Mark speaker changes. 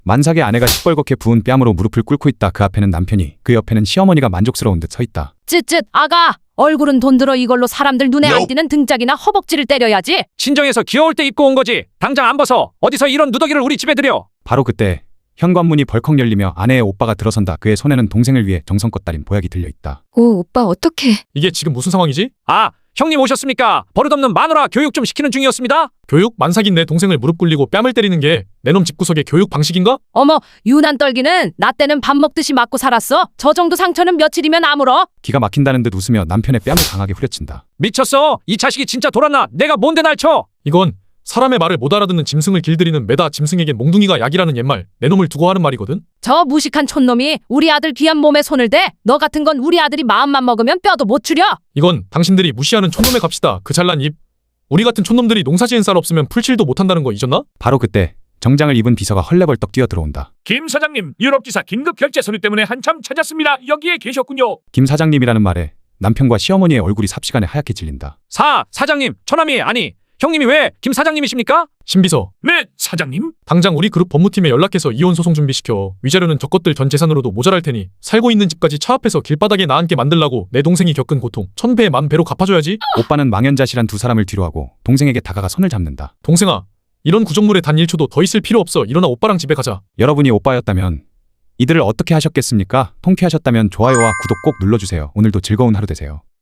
Speaker 1: 만삭의 아내가 시뻘겋게 부은 뺨으로 무릎을 꿇고 있다. 그 앞에는 남편이, 그 옆에는 시어머니가 만족스러운 듯 서 있다.
Speaker 2: 쯧쯧 아가, 얼굴은 돈 들어 이걸로 사람들 눈에 안 띄는 등짝이나 허벅지를 때려야지.
Speaker 3: 친정에서 귀여울 때 입고 온 거지. 당장 안 벗어. 어디서 이런 누더기를 우리 집에 들여.
Speaker 1: 바로 그때 현관문이 벌컥 열리며 아내의 오빠가 들어선다. 그의 손에는 동생을 위해 정성껏 따린 보약이 들려있다.
Speaker 4: 오, 오빠 어떡해.
Speaker 5: 이게 지금 무슨 상황이지?
Speaker 3: 아, 형님 오셨습니까? 버릇없는 마누라 교육 좀 시키는 중이었습니다.
Speaker 5: 교육? 만삭인 내 동생을 무릎 꿇리고 뺨을 때리는 게 내 놈 집구석의 교육 방식인가?
Speaker 2: 어머, 유난 떨기는 나 때는 밥 먹듯이 맞고 살았어. 저 정도 상처는 며칠이면 아물어.
Speaker 1: 기가 막힌다는 듯 웃으며 남편의 뺨을 강하게 후려친다.
Speaker 3: 미쳤어. 이 자식이 진짜 돌았나? 내가 뭔데 날 쳐?
Speaker 5: 이건 사람의 말을 못 알아듣는 짐승을 길들이는 매다 짐승에겐 몽둥이가 약이라는 옛말, 내 놈을 두고 하는 말이거든?
Speaker 2: 저 무식한 촌놈이 우리 아들 귀한 몸에 손을 대. 너 같은 건 우리 아들이 마음만 먹으면 뼈도 못 추려.
Speaker 5: 이건 당신들이 무시하는 촌놈의 값이다. 그 잘난 입. 우리 같은 촌놈들이 농사지은 쌀 없으면 풀칠도 못한다는 거 잊었나?
Speaker 1: 바로 그때 정장을 입은 비서가 헐레벌떡 뛰어들어온다.
Speaker 6: 김 사장님, 유럽지사 긴급 결제 서류 때문에 한참 찾았습니다. 여기에 계셨군요.
Speaker 1: 김 사장님이라는 말에 남편과 시어머니의 얼굴이 삽시간에 하얗게 질린다.
Speaker 3: 사장님, 처남이 아니, 형님이 왜 김 사장님이십니까?
Speaker 5: 신비서,
Speaker 6: 네, 사장님.
Speaker 5: 당장 우리 그룹 법무팀에 연락해서 이혼 소송 준비시켜. 위자료는 저것들 전 재산으로도 모자랄 테니 살고 있는 집까지 차 앞에서 길바닥에 나앉게 만들라고. 내 동생이 겪은 고통 1000배 만배로 갚아줘야지.
Speaker 1: 오빠는 망연자실한 두 사람을 뒤로하고 동생에게 다가가 손을 잡는다.
Speaker 5: 동생아, 이런 구정물에 단 1초도 더 있을 필요 없어. 일어나 오빠랑 집에 가자.
Speaker 1: 여러분이 오빠였다면 이들을 어떻게 하셨겠습니까? 통쾌하셨다면 좋아요와 구독 꼭 눌러주세요. 오늘도 즐거운 하루 되세요.